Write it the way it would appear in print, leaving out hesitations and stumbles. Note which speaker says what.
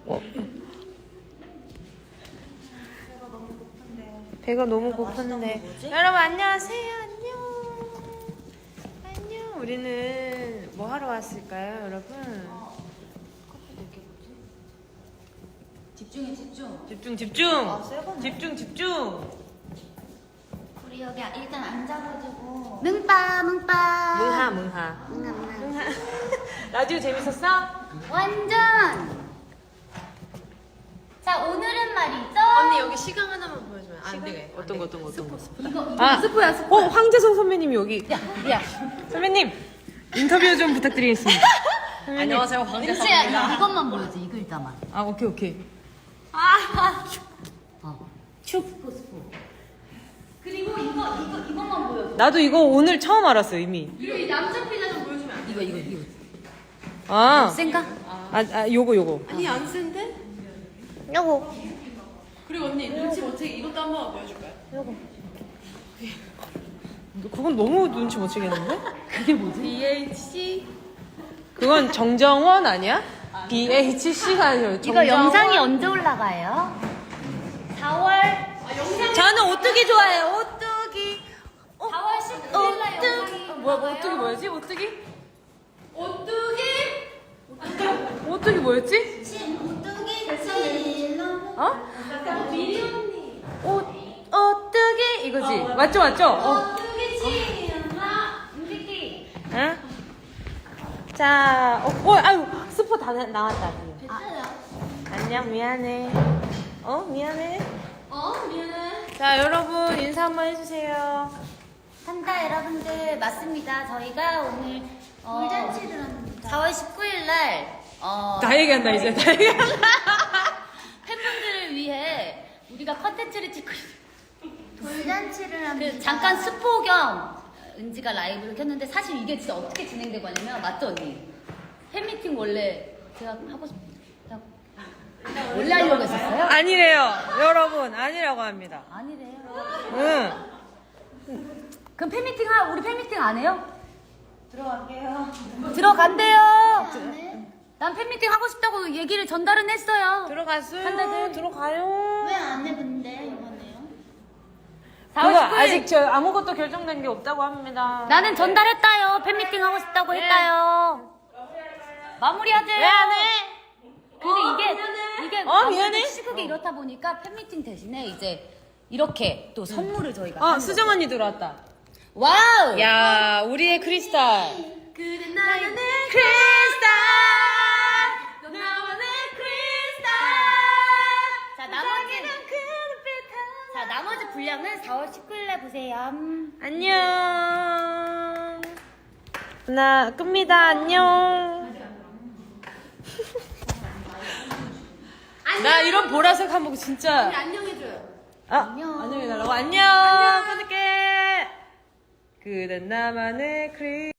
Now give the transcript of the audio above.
Speaker 1: 배가 너무 고픈데. 여러분 안녕하세요. 안녕. 우리는 뭐 하러 왔을까요, 여러분?
Speaker 2: 집중해, 집중.
Speaker 1: 집중.
Speaker 2: 우리 여기 일단 앉아가지고. 뭉빠.
Speaker 1: 뭉하. 라디오 재밌었어?
Speaker 2: 완전. 자, 오늘은 말이죠.
Speaker 3: 언니 여기 시강 하나만 보여주면 안 되게.
Speaker 1: 어떤 거?
Speaker 2: 이거 스포야, 스포.
Speaker 1: 황재성 선배님이 여기.
Speaker 2: 야.
Speaker 1: 선배님 인터뷰 좀 부탁드리겠습니다.
Speaker 3: 안녕하세요
Speaker 2: 은지야,
Speaker 3: 황재성입니다.
Speaker 2: 이것만 보여줘, 이 글자만.
Speaker 1: 아 오케이.
Speaker 2: 스포. 그리고 이것만 보여줘.
Speaker 1: 나도 이거 오늘 처음 알았어 이미.
Speaker 3: 그리고 이 남자 피자 좀 보여주면 안 돼?
Speaker 2: 이거.
Speaker 1: 아,
Speaker 2: 센가?
Speaker 1: 요거.
Speaker 3: 아니 안 센데?
Speaker 1: 요거.
Speaker 3: 그리고 언니 눈치 못 채게 이것도 한번 보여줄까요?
Speaker 1: 그건 너무 눈치 못 채겠는데?
Speaker 2: 그게 뭐지?
Speaker 3: BHC
Speaker 1: 그건 정정원 아니야? BHC가 아니라
Speaker 2: 이거
Speaker 1: 정정원.
Speaker 2: 영상이 언제 올라가요? 4월.
Speaker 1: 저는 오뚜기 좋아해요. 오뚜기.
Speaker 2: 4월 19일 날 영상이
Speaker 1: 오뚜기 뭐였지? 오뚜기 뭐였지?
Speaker 2: 오뚜기
Speaker 1: 어?
Speaker 3: 미리 언니
Speaker 1: 오뚜기 이거지. 맞죠?
Speaker 2: 오뚜기 친엄마 우리끼.
Speaker 1: 응? 자, 아유 스포 다 나왔다. 안녕 미안해. 미안해.
Speaker 2: 미안해.
Speaker 1: 자 여러분 인사 한번 해주세요.
Speaker 2: 한다 여러분들 맞습니다. 저희가 오늘 돌잔치를 합니다. 4월 19일 날
Speaker 1: 다 얘기한다 이제. 다 얘기한다.
Speaker 2: 팬분들을 위해 우리가 컨텐츠를 찍고 있어요.
Speaker 4: 돌잔치를 합니다.
Speaker 2: 그 잠깐 스포 겸 은지가 라이브를 켰는데 사실 이게 진짜 어떻게 진행되고 하냐면 맞죠 언니? 팬미팅 원래 제가 하고 제가 원래 하려고 했었어요?
Speaker 1: 아니래요 여러분 아니라고 합니다.
Speaker 2: 아니래요.
Speaker 1: 응.
Speaker 2: 그럼 팬미팅 우리 팬미팅 안 해요?
Speaker 4: 들어갈게요.
Speaker 2: 들어간대요. 난 팬미팅 하고 싶다고 얘기를 전달은 했어요.
Speaker 1: 들어갔어요.
Speaker 2: 한다들.
Speaker 1: 들어가요.
Speaker 4: 왜 안 해 근데 이번에요?
Speaker 2: 4월
Speaker 1: 그거
Speaker 2: 19일.
Speaker 1: 아직 저 아무것도 결정된 게 없다고 합니다.
Speaker 2: 나는 전달했다요. 팬미팅 하고 싶다고 했다요. 마무리하지.
Speaker 1: 왜 안 해?
Speaker 2: 근데 이게
Speaker 1: 미안해.
Speaker 2: 아무래도 시국이 이렇다 보니까 팬미팅 대신에 이제 이렇게 또 선물을 저희가 하는
Speaker 1: 수정
Speaker 2: 거죠.
Speaker 1: 언니 들어왔다.
Speaker 2: 와우.
Speaker 1: 야 우리의 크리스탈.
Speaker 2: 그대 나는
Speaker 1: 크리스탈.
Speaker 2: 나만의 크리스탈. 자 나머지 분량은 4월 19일에 보세요.
Speaker 1: 안녕. 나 끕니다. 안녕. 나 이런 보라색 한복 진짜.
Speaker 3: 안녕해줘요.
Speaker 1: 안녕해달라고. 안녕. 끊을게. 그댄 나만의 크리스탈.